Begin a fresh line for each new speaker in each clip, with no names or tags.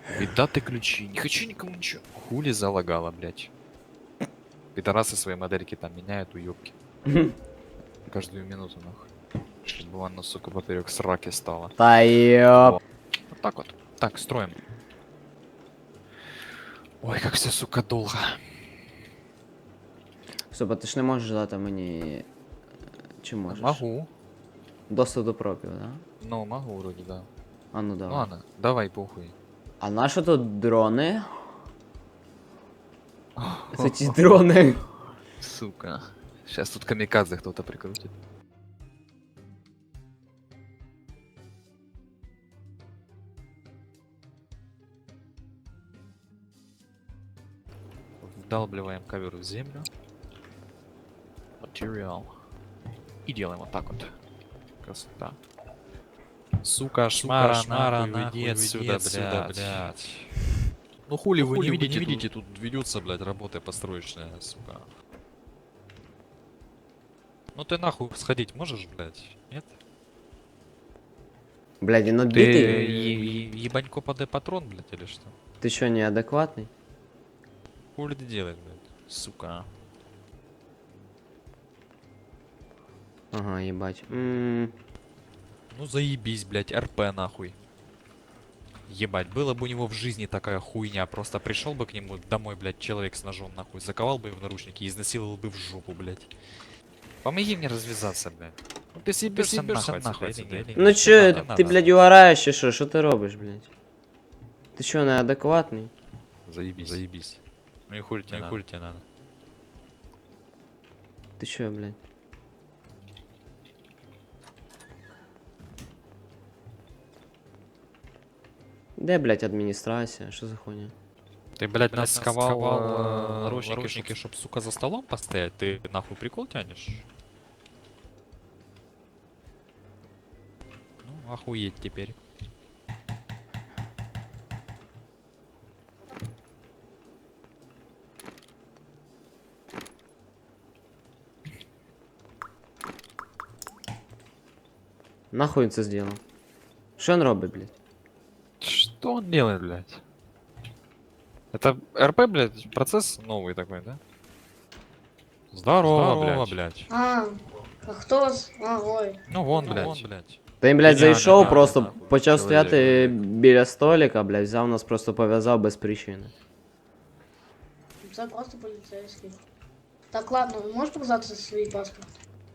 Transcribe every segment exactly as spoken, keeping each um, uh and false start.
Віддати ключи. Не хочу никому ничего. Хули залагала, блядь. Пидорасы свои модельки там меняют, уёбки. Каждую минуту, нахуй. Чтобы она, сука, поперек сраки стала.
Та ёп.
Вот так вот. Так, строим. Ой, как все, сука, долго.
Стоп, а ти ж не можеш дати мені. Чи можеш?
Могу.
Доступ до пропів, да?
Ну, могу вроде, да.
А ну
Ну
давай.
ладно, давай, похуй.
А на що тут дрони? Це ті дрони.
Сука. Сейчас тут камикадзе кто-то прикрутит. Вдалбливаем ковер в землю. Материал. И делаем вот так вот. Красота. Сука, шмара,
шмара,
нахуй,
нахуй,
уйди отсюда, блядь.
блядь.
Ну хули
Ну,
вы
хули
не
вы
видите,
не
тут?
видите, тут ведется, блядь, работа построечная, сука. Ну ты нахуй сходить можешь, блядь? Нет?
Блядь, він
Ты
отбитий?
е- е-
Ебанько подай патрон, блядь, или что?
Ти що, неадекватний?
Хули ты делаешь, блядь?
сука.
Ага, їбать. Ммм.
Ну заебись, блядь, РП нахуй. Ебать, была бы у него в жизни такая хуйня, просто пришел бы к нему домой, блядь, человек с ножом, нахуй, заковал бы его в наручники и изнасиловал бы в жопу, блядь.
Помоги мне развязаться, блядь. Ну ты съебешься нахуй, нахуй отсюда, или
Ну
нет?
чо,
надо,
ти,
надо.
блядь, угораєш чи що? Що ти робиш, блядь? Ти що, неадекватний?
Заебись.
Заебись.
Ну и хули тебе
Ну и
надо?
хули тебе надо?
Ти що, блядь? Де, блядь, адміністрація? Що за хуйня?
Ты, блядь,
Блядь,
нас сковал э,
наручники,
наручники,
наручники, чтоб, сука, за столом постоять? Ты нахуй прикол тянешь? Ну, охуеть теперь.
Нахуй він це зробив? Що він робить, блядь?
Что он делает, блядь? Это РП, блядь, процесс новый такой, да? Здорово, блядь.
блядь.
А, а хто вас? А, ой.
Ну вон,
Ну,
блядь.
вон, блядь.
Та він, блядь,
Ідеально,
зайшов,
да,
просто
нахуй,
почав
чоловік,
стояти
блядь.
біля столика, блядь, взяв нас, просто пов'язав без причини.
Це просто поліцейський. Так, ладно, ви можете показати свій паспорт?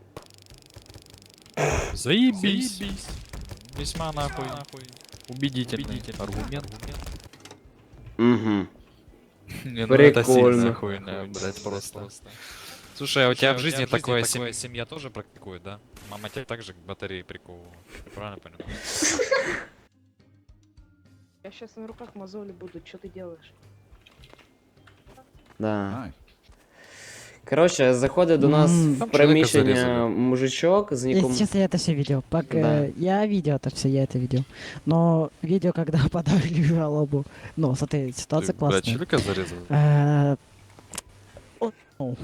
Заебись. Весьма нахуй. Убедительный,
Убедительный
аргумент.
Угу.
Не, ну это
Прикольно.
сильно хуйня, блядь, просто. Слушай, а у тебя в жизни такое
такое
семь...
семья тоже практикует, да? Мама тебя также к батарее приковывала. Я правильно понял?
Я сейчас на руках мозоли будут, что ты делаешь?
Да. Коротше, заходить до нас
М.
в
Там
приміщення
чоловіка зарізали.
мужичок з
Если
ніком.
честно, я это все видел. Пока
Да.
я видел это все, я это видел. Но видео, когда подали жалобу. Ну, смотри, ситуация
Ты, блядь,
классная.
человека зарезал?
Э, о, ну.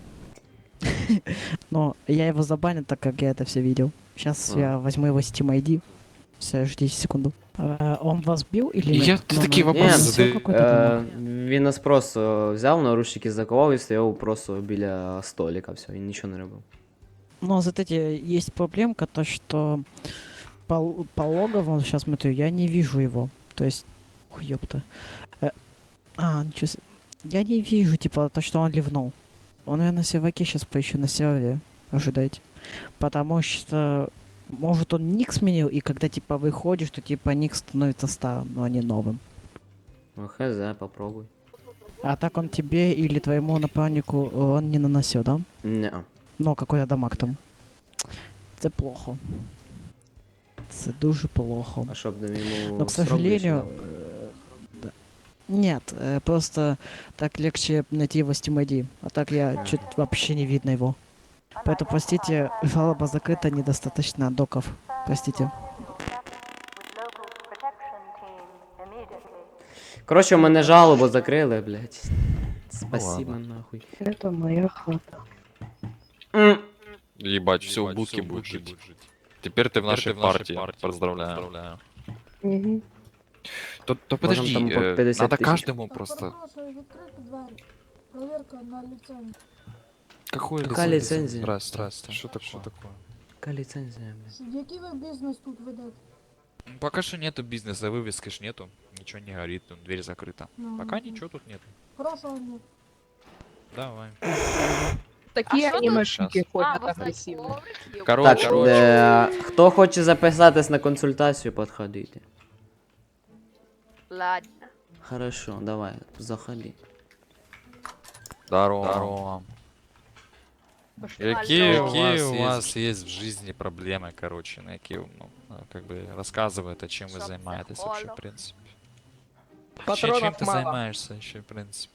Но я его забанил, так как я это все видел. Сейчас
А.
я возьму его Steam ай ди. Все, ждите секунду. Э, Он вас бил или
Я-
нет?
ты
Ну,
такие
ну,
вопросы
всё
задаешь.
какой-то
Е,
там.
він нас просто взяв, наручники заковав і стояв просто біля столика, все, він нічого не робив.
Но знаете, есть проблемка, то что по, по логову, сейчас смотрю, я не вижу его. То есть, ой, ёпта. Э, а, ничего себе. Я не вижу, типа, то, что он ливнул. Он, наверное, серваке сейчас поищу на сервере. Ожидайте. Потому что, может, он ник сменил, и когда, типа, выходишь, то, типа, ник становится старым, но не новым.
Ну, хз, попробуй.
А так он тебе или твоему напарнику он не наносил, да?
Неа.
Ну, какой-то дамаг там. Це плохо. Це дуже плохо.
А щоб нам йому.
Но, к
срок
сожалению...
вийшов?
э, да. Нет, э, просто так легче найти его Steam ай ди. А так я чуть вообще не видно его. Поэтому, простите, жалоба закрыта, недостаточно доков. Простите.
Коротше, у мене жалобу закрили, блядь. Спасибо,
ладно.
нахуй.
Это моя хата.
М.
Ебать, все в
Ебать,
будке
всё в
будет
будке
жить.
будет жить.
Теперь ты в
Теперь
нашей
ты в нашей
партии.
партии.
Поздравляю.
Поздравляю.
Угу.
То, то
Можем
подожди,
там по
э,
пятьдесят
надо
тысяч.
каждому
Так,
просто...
перепрошую, відкрити двері. Проверка на ліцензію.
Какую
Какая
лицензию?
лицензия?
Здрасте, здрасте. Что такое?
Что такое?
Яка ліцензія, блядь?
Який ви бізнес тут ведете?
Ну, Пока что нету бизнеса, вывески ж нету. Ничего не горит, ну, дверь закрыта.
Ну,
Пока
ну,
ничего тут нету.
Хорошого дня.
Давай.
Такие
что тут?
анимешники
Щас.
ходят агрессивные.
Короче,
Так,
короче.
е, хто хоче записатись на консультацію, підходите.
Ладно.
Хорошо, давай, заходи.
Здорово.
Здорово.
Пошли.
Какие,
Алло.
какие
У
у
вас
вас есть в жизни проблемы, короче, на какие, ну, а, как бы рассказывает, чем вы
Чтоб
занимаетесь вообще, в
заходу.
принципе. Чем,
Патронов
чем ты
мало.
занимаешься еще, в принципе?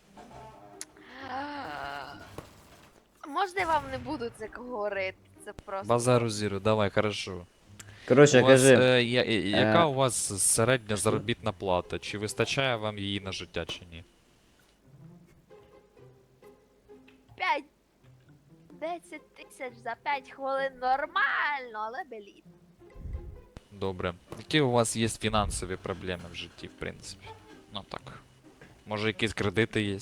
Можна я вам не буду це говорити? Це просто.
Базару зіру, давай, хорошо.
Коротше,
У вас,
кажи.
е, я- е, яка
е,
у вас середня заробітна плата? Чи вистачає вам її на життя, чи ні?
п'ять десять тисяч за п'ять хвилин нормально, але беліт.
Добре. Які у вас є фінансові проблеми в житті, в принципі? Ну так. Може якісь кредити є?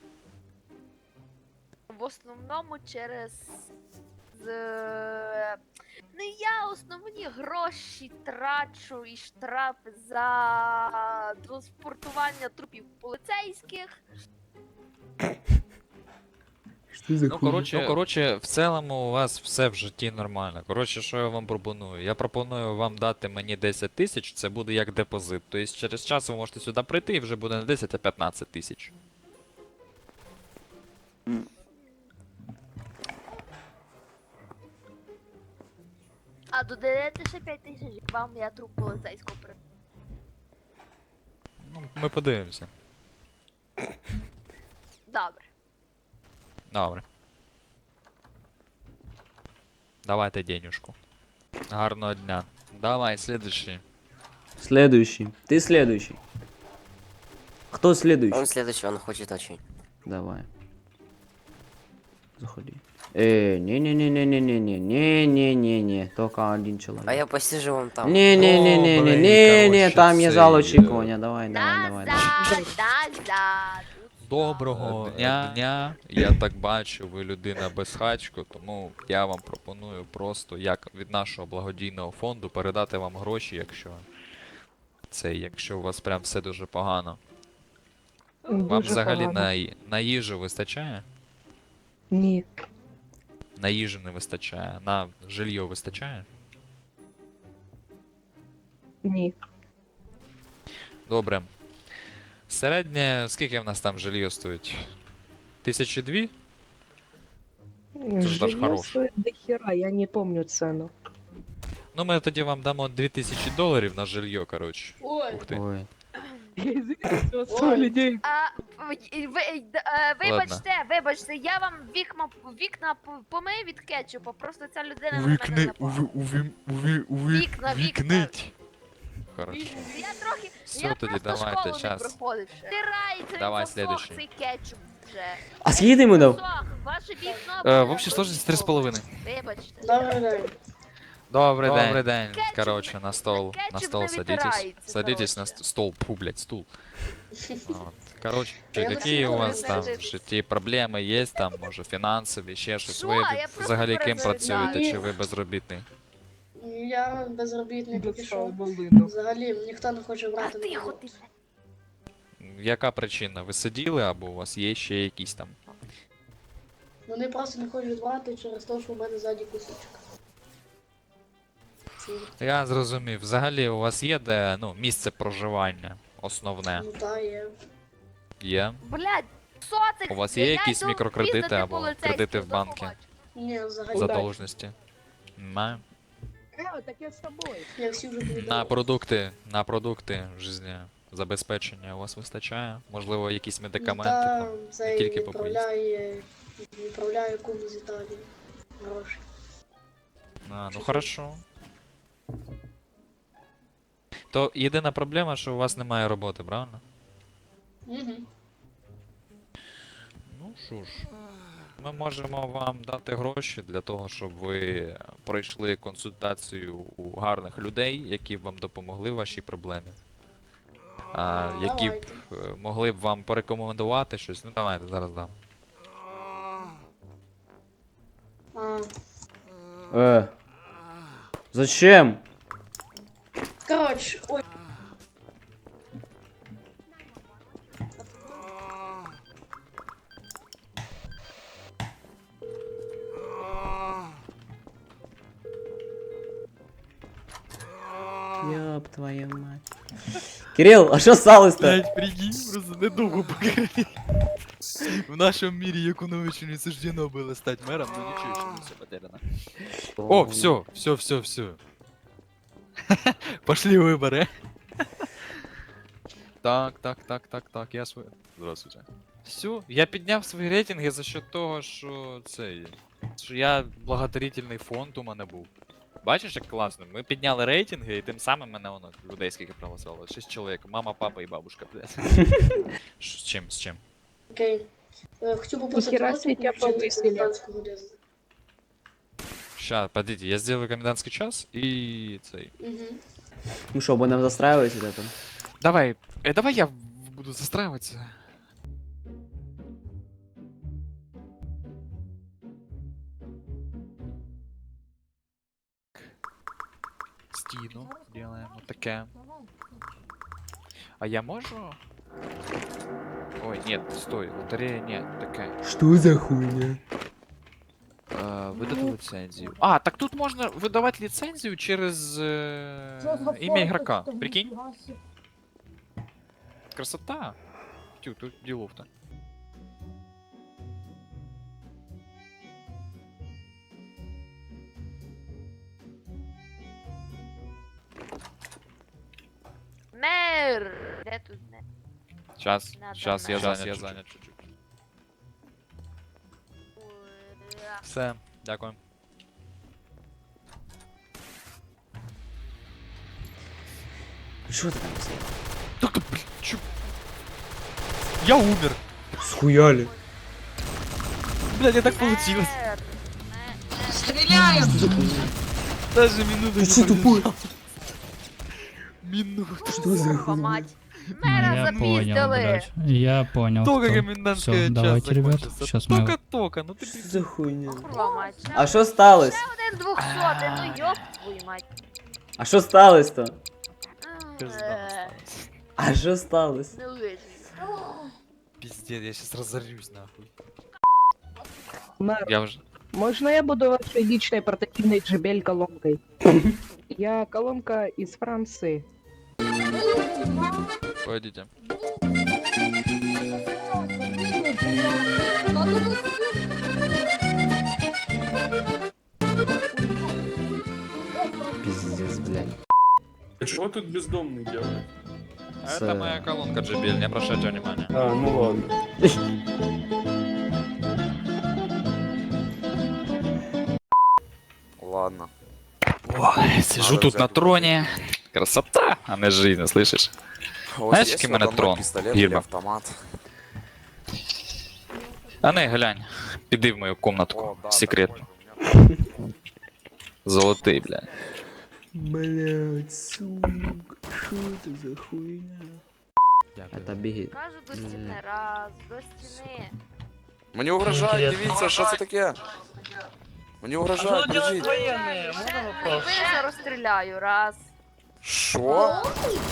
В основному через. З... Ну я основні гроші трачу і штрафи за транспортування трупів поліцейських.
Ну, коротше, ну, коротше, в цілому у вас все в житті нормально. Коротше, що я вам пропоную? Я пропоную вам дати мені десять тисяч, це буде як депозит. Тобто через час ви можете сюди прийти і вже буде не десять, а п'ятнадцять тисяч.
А додаєте ще п'ять тисяч, вам я труп поліцейського при.
Ну, ми подивимося.
Добре.
Добре. Давайте денюжку. Гарного дня. Давай, следующий.
Следующий. Ты следующий. Кто следующий?
Он следующий, он хочет очень.
Давай. Заходи. Э, не-не-не-не-не-не-не-не-не-не. Только один человек.
А я посижу вон там.
Не-не-не-не-не-не,
короче,
там є
цей,
зал
е,
очікування. Давай, давай, давай, давай.
Назад, назад.
Доброго дня. дня. Я так бачу, ви людина без хачку, тому я вам пропоную просто як від нашого благодійного фонду передати вам гроші, якщо це, якщо у вас прям все дуже погано. Вам
Дуже
взагалі
погано.
на, ї- на їжу вистачає?
Ні.
На їжу не вистачає. На жилье вистачає?
Ні.
Добре. Середнє, скільки в нас там жилье стоїть? Тисячі дві? ж наш
Жилье
хорош.
стоит до хера, я не помню цену.
Ну, ми тоді вам дамо дві тисячі доларів на жилье, коротше.
Ой,
Ух ти.
Ой.
Я извиняюсь, у вас
Ой.
сто людей.
А, ви, ви, е, вибачте, вибачте, я вам вікна, вікна п- помию від кетчупу, просто ця людина на мене напала. Вікна, вікна.
Хорошо.
Я трохи,
Все,
я
тоді
просто
давайте,
школу
щас.
не проходивши. Стирається,
Давай,
він засох,
следующий.
цей кетчуп вже.
А скільки ти йому дав?
Засох, ваше вікно.
Э,
буде
в общей сложности три с половиной.
Вибачте.
добрий день.
Добрий день.
день.
Добрий день.
Кетчуп-
Короче, на стол.
кетчуп
На стол
не
садитесь.
витирається,
Садитесь на
короче.
ст- стол. Фу, блядь, стул. Вот. Короче,
Я
какие
хотіла
у вас там в
перезарядитись.
житті проблеми є, там, може, фінансові, ще щось.
Що?
Ви
Я просто
взагалі ким
перезаряджаю.
працюєте, чи ви безробітний?
Я безробітний поки що.
Волину.
Взагалі ніхто не хоче
А
брати на
тихо
роботу.
ти.
Яка причина? Ви сиділи або у вас є ще якісь там?
Вони просто не хочуть брати через те, що в мене ззаді кусочок. Ці-
Я зрозумів. Взагалі у вас є де, ну, місце проживання основне?
Ну та є.
Є?
Блядь, що це?
У вас є
Я
якісь
йду
мікрокредити
піздити
або
поліцейських,
кредити в
до
банки?
побачення.
Ні, взагалі.
Задовженості? Немає.
Э, так я с тобой.
Я всі вже
На
повідомив.
продукти, на продукти житті забезпечення у вас вистачає? Можливо, якісь медикаменти
Та
там?
цей
тільки по
відправляє, відправляє кум з Італії. Гроші.
А, ну хорошо. То єдина проблема, що у вас немає роботи, правильно?
Угу.
Ну що ж, ми можемо вам дати гроші для того, щоб ви пройшли консультацію у гарних людей, які б вам допомогли в вашій проблемі. а, які б
Давайте.
е, могли б вам порекомендувати щось. Ну давайте, зараз дам.
А,
Э. Зачем?
короче, ой.
Ёб твою мать. Кирилл, а що сталося-то?
Блять, прикинь, просто недовго поговорити. В нашому мірі Якуновичу не суждено було стати мером, ну нічого, що не все потеряно. О, все, все, все, все. Пошли выборы. Так, так, так, так, так, я свой. Здравствуйте. Все, я підняв свої рейтинги за счет того, що цей. Що я благотворительний фонд у мене був. Бачиш, як класно? Ми підняли рейтинги, і тим самим мене воно людей скільки проголосувало. Шість чоловік. Мама, папа і бабушка, блядь.
Ш- З чим, з чим?
Окей. Э, Хочу попросить
Нихера
вас
себе тебя
включить
повысили.
комендантскую годину.
Ща, подождите, я сделаю комендантский час и цей.
Мгм.
Ну що, будемо застраювати вот это?
Давай, э, давай я в- буду застраиваться. Стіну делаем вот таке. А я можу? Ой, нет, стой, лотерея нет, такая.
Что за хуйня?
Э, выдать лицензию. А, так тут можно выдавать лицензию через э, имя игрока. Прикинь? Красота. Тю, тут делов-то.
Мер! Де тут мер?
Сейчас,
Надо
сейчас, я
на-
занят, я занят чуть-чуть.
Ура.
Все, дякую.
Що ти там писав?
Так, блин, чё? Я умер.
Схуяли.
Блядь, я так получилось.
Мер! Мер!
Даже минуту
Ты что, тупой?
Минуту.
Что за
Курва
хуйня?
мать. Мера
Я понял,
запиздили!
блядь. Я понял.
Только
кто.
комендантская
Всё,
час
давайте, ребят,
закончится.
щас мы-
Только-только, ну ты
Що за хуйня?
Курва мать. Ще
А що сталося?
один двохсотий, ну ёб твою мать.
А що сталося-то?
пизда
Е,
осталась.
А що сталося?
Ну вижу.
Пиздец, я сейчас разорюсь нахуй.
Мэр,
Я уже...
можно я буду вашей личной портативной джебель колонкой? Я колонка из Франции.
Пойдите.
Пиздец, блядь.
А что тут бездомный делает?
А
С-
это моя колонка джи би эл, не обращайте внимания.
А, ну ладно.
Ладно.
Ой, сижу
Надо
тут
взять
на
вот
троне. Красота, а не жизнь, слышишь?
У вас
Знаешь,
есть
какой у меня
надо мной
трон?
пистолет или
Гиба.
автомат?
А не, глянь. Піди в мою комнатку.
О, да,
Секретно.
такой у меня.
Золотий, бля.
Блядь, сука, що це за хуйня?
Дякую.
Это біги.
Кажу до стіни, раз, до стіни.
Мені угрожають, дивіться, що це таке? Мені угрожають, біжіть.
Винесе розстріляю, раз.
Що?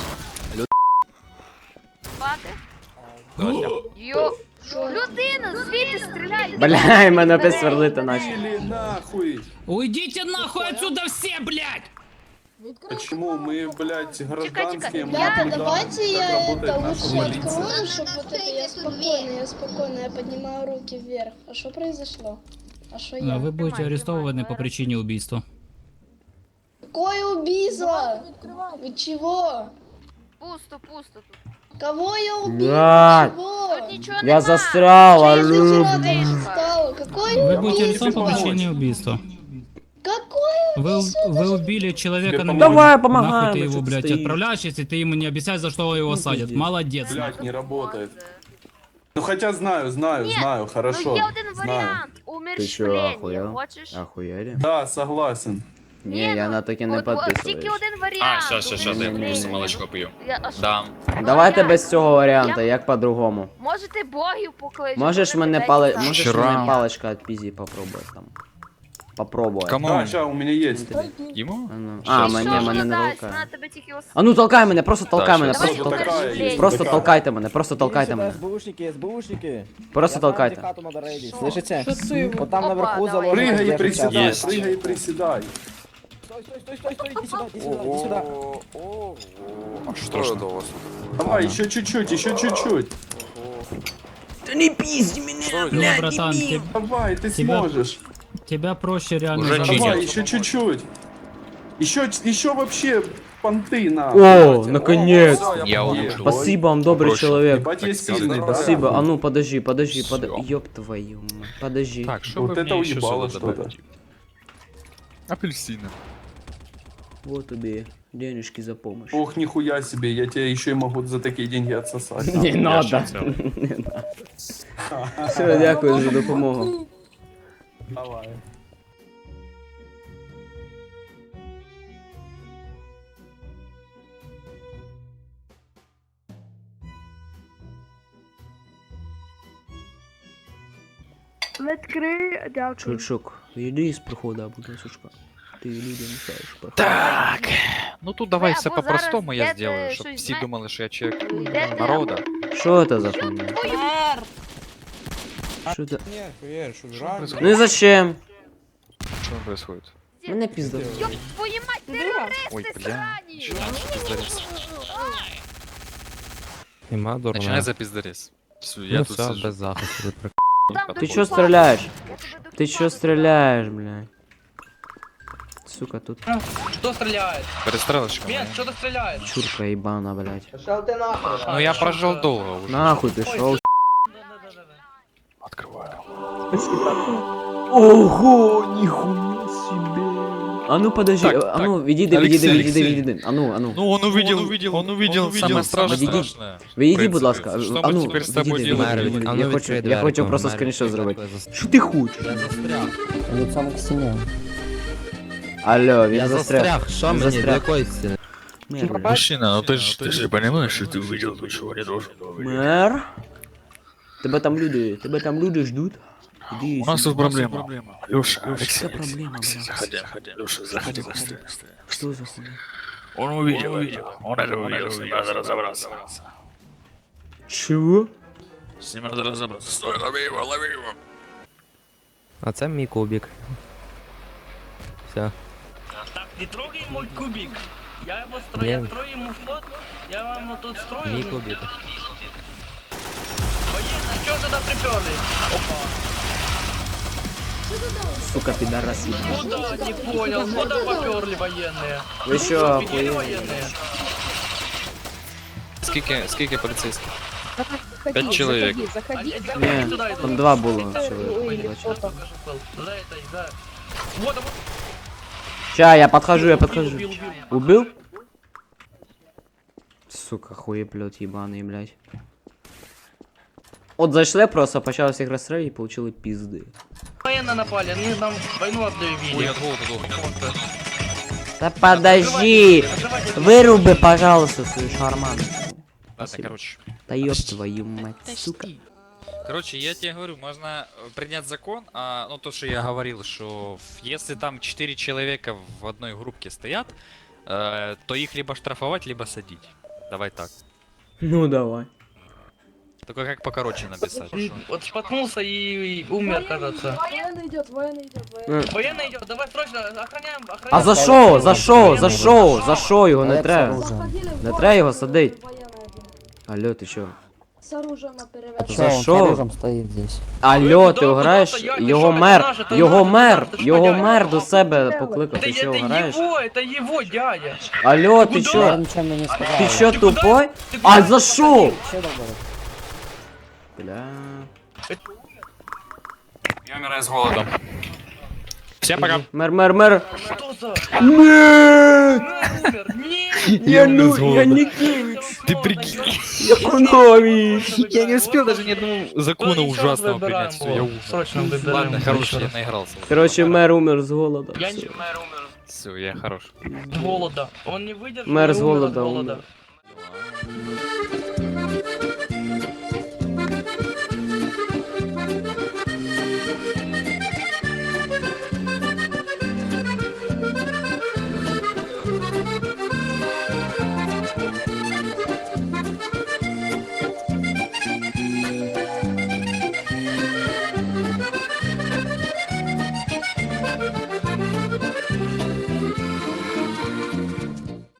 Бати. Йо. Людина, звідти стріляє.
Бля, мене опять сверлити наче.
Или нахуй!
Уйдите нахуй отсюда все, блядь!
Почему мы, блядь, гражданские, мы
Ребята,
не
давайте
знаем,
я
как
это
работает наша
лучше
полиция.
открою, чтобы вот это я спокойно, я спокойно, я поднимаю руки вверх. А что произошло? А что я?
Вы будете
Тримай,
арестованы
тримай,
по причине убийства.
Какое убийство? Вы чего?
Пусто, пусто тут.
Кого я убил?
Блядь.
Чего?
Тут нічого
Я
нема.
застрял,
Чи
алло,
я
Вчера
блядь.
тут встала. Какое
Вы будете
убийство?
арестованы по причине убийства.
Какое?
Вы, вы убили человека на
Давай,
миллион.
помогаем,
Нахуй ты
ну
его,
что ты
блядь,
стоишь?
отправляешь, если ты ему не объясняешь, за что его
Ну,
садят.
пиздец.
Молодец.
Блядь, не работает. Ну хотя знаю, знаю,
Ні,
знаю, хорошо.
Ну є один
Знаю.
варіант.
Ти чо,
Умерщвлення.
ахуєл?
Хочеш?
Ахуєли?
Да, согласен.
Ні, я на таке не
от- от Тільки
підписуюсь.
один варіант.
А, щас, щас, щас, дай
Ні-ні-ні.
просто молочко пью.
Я- а що?
Да.
Давайте
Я-
без цього варіанта, як по-другому.
Можете богів покличете.
Можеш
вони
мене
десь
пали...
там.
Можеш
Вчора.
мене паличка от пізі попробувати там. Попробувати.
Кому?
Да, ща, у меня есть.
Ему?
А, ну.
Ти
а
що
мене,
ж
мене не
додасть?
толкає.
Вона тебе тільки ос-
А ну толкай мене, просто толкай
Так,
мене,
щас.
просто
Просто
толкай.
такая есть.
Просто
такая.
толкайте мене, просто толкайте мене.
СБУшники, СБУшники.
Просто толкайте.
Хату надо рейдить, слышите?
Что ты?
Вот там
Опа,
наверху
давай.
заложено.
Прыгай и
держится.
приседай,
Есть.
прыгай и приседай.
Стой, стой, стой, стой, стой, иди сюда, иди сюда, иди сюда.
Ого, ого. А что
Страшно.
это у вас?
Давай, еще чуть-чуть, еще чуть-чуть.
Да не пизди меня,
Что это?
Ну, братан, те-
Давай, ты
Тебя-
сможешь.
тебя проще реально
Уже
заразить.
Давай,
чинят.
еще чуть-чуть. Еще, еще вообще понты на.
О, наконец.
Всё,
Я
понял.
улучшил.
Спасибо вам, добрый
Проще.
человек.
Ебать, я
Так,
сильный,
здорово.
да?
Спасибо. А ну подожди, подожди,
Всё.
подожди. Ёб твою мать. Подожди.
Так, что
Вот
вы
это
мне еще
уебало
сюда
что-то.
добавите? Апельсины.
Вот тебе денежки за помощь.
Ох, нихуя себе, я тебя еще и могу за такие деньги отсосать.
Не надо.
щас взял.
Не надо. Все, дякую за допомогу.
Давай.
Відкрий, дякую.
Чучук, йди з прохода, будь ласка. Ти людям мешаєш проходити.
Так. Ну тут давай
Ви
все
або
по-простому
зараз
я
йдете
сделаю, чтобы
щось
все
зна-
думали, что я человек
Йдете-
народа.
Що це за хуйня? Що це?
Нет, хуя, что,
Что
жрать?
происходит?
Ну і зачем?
Что происходит?
Мене пізда.
Ёб твою мать, терористи
Ой, бля.
срані!
Начинай за пиздарез.
Нема дурна.
Начинай за пиздарез. Всё,
Ну
я тут сижу.
захисту.
Там
Ти
до
чо
купа.
стріляєш?
Я тебе до
Ти
купа
чо стріляєш, блядь? Сука, тут
Кто стреляет?
Перестрелочка моя.
кто-то стреляет.
чурка ебана, блядь.
Ну я прожил долго уже.
Нахуй ти шов.
Открываю.
Ого, нихуя себе. А ну подожди,
Так,
а ну
так.
відійди,
Алексей,
відійди, відійди,
Алексей.
відійди. А ну, а ну.
Ну он увидел, он увидел, он увидел самое страшное.
Відійдіть.
страшное.
Відійди,
В
будь
принципе.
ласка.
Что
А
мы
ну,
теперь с тобой
відійди,
делаем?
відійди, відійди.
А ну,
Я хочу,
відкрий
я хочу
дверку,
просто
Марик,
скріншот
відкрий
зробити.
дверку.
Що ти хочеш?
Я застряг.
Лицом к стене.
Алло, він
Я
застряг.
застряг. Що
Він
мені? До
застряг.
якої стіни?
Мер, блядь.
Мужчина, ну ты же, ты же понимаешь, что ты увидел то, чего не должен был.
Мер? Тебе там люди, тебе там люди ждут. Иди
У нас
сюда.
тут проблема. Леша, Алексей,
Какая проблема,
Алексей,
блядь?
заходи, заходи. Леша, заходи быстрее.
Что за хуйня?
Он увидел, увидел. Он это увидел, с ним надо разобраться.
Чего?
С ним надо разобраться. Стой, лови его, лови его.
А це мій кубик. Все.
Не трогай мой кубик. Я его
Не.
строю, я строю ему флот. Я вам тут строю.
Мій кубик.
Военные, чё туда приперли? Опа.
Сука, пидорасы.
Куда? Не понял. Куда поперли военные?
Вы чё,
Офигели
охуели?
военные?
Скільки, скільки поліцейських?
Заходи,
Пять человек.
Заходи, заходи,
Они-
заходи.
заходи
Не,
туда,
там
иду.
два было
Ой,
человека.
или кто-то.
За это, за... Вот, вот.
Ща, я подхожу, я подхожу.
Убил, убил.
Убил? Сука, хуеплет ебаный, блядь. От зайшли просто, почали всіх розстрілювати і получили пизди.
Военные напали, они нам войну объявили.
Ой, от голоду дохну.
Да подожди! Выруби, пожалуйста, свою шарману.
Ладно, короче.
Да ёб твою мать, сука.
Короче, я тебе говорю, можно э, принять закон, а, ну то, что я говорил, что в- если там четыре человека в одной группке стоят, э, то их либо штрафовать, либо садить. Давай так.
Ну давай.
Только как покороче написать.
И Вот споткнулся и, и умер, кажется.
Военный идет, военный идет, военный.
Ну,
Военный идет, давай срочно, охраняем, охраняем.
а за що? За що? За що? За що його не треба?
Заходили в
Не
город,
треба його садить.
военный один.
Алло, ти що?
С оружием наперевес.
За що?
стоит здесь.
Алло, ти
куди,
граєш?
куди, я
Його
пішов,
мер,
це наше, це
його
наше,
мер,
це наше,
його
це
мер до себе покликав,
Это,
ти що
это
граєш?
его, это его дядя.
Алло, ти
Куда?
що?
ничего мне не сказал.
Ти що
Ти куди?
тупой?
Ти
А
куди?
за що?
Что такое?
Бля.
Я умираю с голодом. Всем пока.
Мер, мер, мер.
Что за?
Нет!
Умер, нет.
Я ну, я не Кевич.
Ты прикинь.
Я Кунович.
Я не успел даже ни одного закона
Ну, ничего,
ужасного
выбираем
принять. Все, я
его.
ужас.
Срочно выбираем.
Ладно, хороший,
еще
я
раз.
наигрался.
Короче, мер умер з голода.
Я
Всё.
не мэр умер.
Все, я хорош.
От голода. Он не выдержал
Мэр
и
с
умер от
голода
голода.
умер.